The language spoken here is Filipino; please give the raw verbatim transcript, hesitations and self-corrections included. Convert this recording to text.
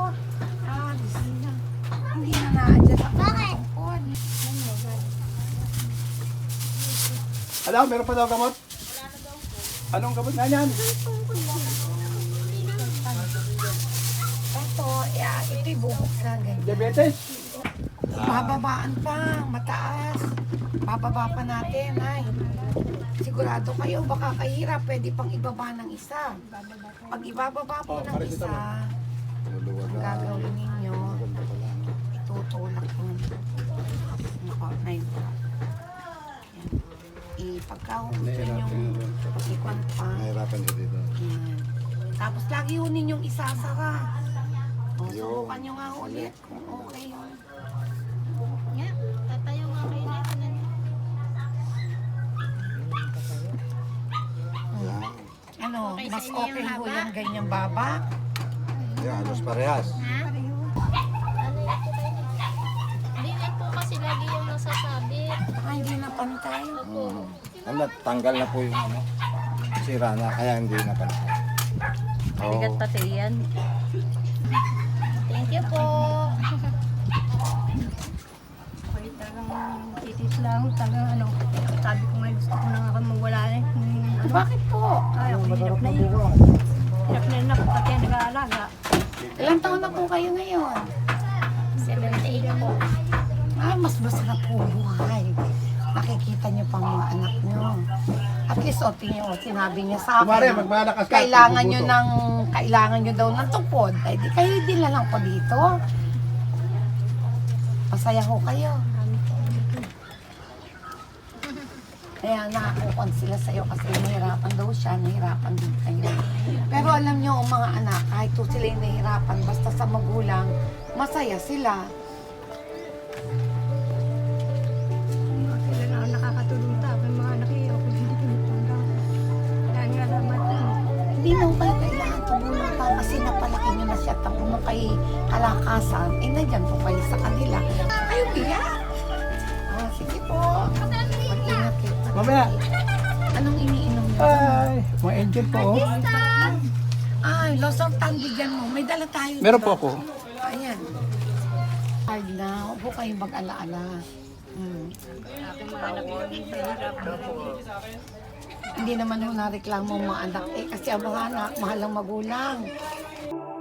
Ah, gising na. Hindi na na-adjust ako. Bakit? Alam, meron pa daw gamot? Anong gamot na yan? Ito, yeah, ito'y bubuksan. Ganyan. Diabetes? Bababaan pa, mataas. Bababa pa natin, ay. Sigurado kayo, baka kahirap, pwede pang ibaba ng isa. Pag ibababa po ng isa, ang gagawin ninyo, itutulak mo. Na yun. Ipagkahusin yung ikwan pa. Nahirapan ka dito. Yan. Tapos lagi yun ninyong isasara. O, subukan nyo nga ulit kung okay yun. Nga, tatayo nga kayo na ito na. Ano, Okay sa mas inyo okay yung ho haba? yung ganyang baba. Yan, halos parehas. Ha? Ano yan po kayo? Hindi yan po kasi lagi yung nasasabit. Baka hindi na pantay. Hmm. Ano, tanggal na po yung ano. Sira na, kaya hindi na pala. Bigat pati yan. Thank you po. Okay, talagang titis lang, talagang ano, sabi ko nga gusto ko na nga mawala eh. Hmm, ano, Bakit po? ay, ako hirap na yun. Hirap na yun ako, pati ang nag-aalaga. Ilang taon na po kayo ngayon? seventy-eight po. Ay, mas masarap po buhay. Nakikita niyo pang mga anak niyo. At least, o, tingin, o, sinabi niya sa Kumare, akin, magmalakas ka. kailangan niyo Bubuto. ng, kailangan niyo daw ng tupod. Ay, di kayo din na lang po dito. Masaya ho kayo. Kaya nakakukon sila sa'yo kasi nahirapan daw siya, nahirapan din kayo. Pero alam niyo, ang mga anak, kahit po sila yung nahirapan, basta sa magulang, masaya sila. Sila na ang nakakatulong ta, may mga anak eh, ako hindi tinutulong. Kaya nga naman, ano, Hindi naman kayo kailangan tumulong pa kasi napalaki niyo na siya tapos mo kay kalakasan, eh nandiyan po kayo sa kanila. Kayo iyak! Ah, sige po. Mag-ingat kayo. Mamaya. Anong iniinom niyo? Ay, mga angel po. Oh. Ay, losartan, bigyan mo. May dala tayo. Meron diba? po ako. Ayan. Hard na. Huwag po kayong mag-alaala. Hmm. aking mga anak yun, mahirap. Hindi naman ho nareklamo ang mga anak eh kasi ang mga anak, mahal ang magulang.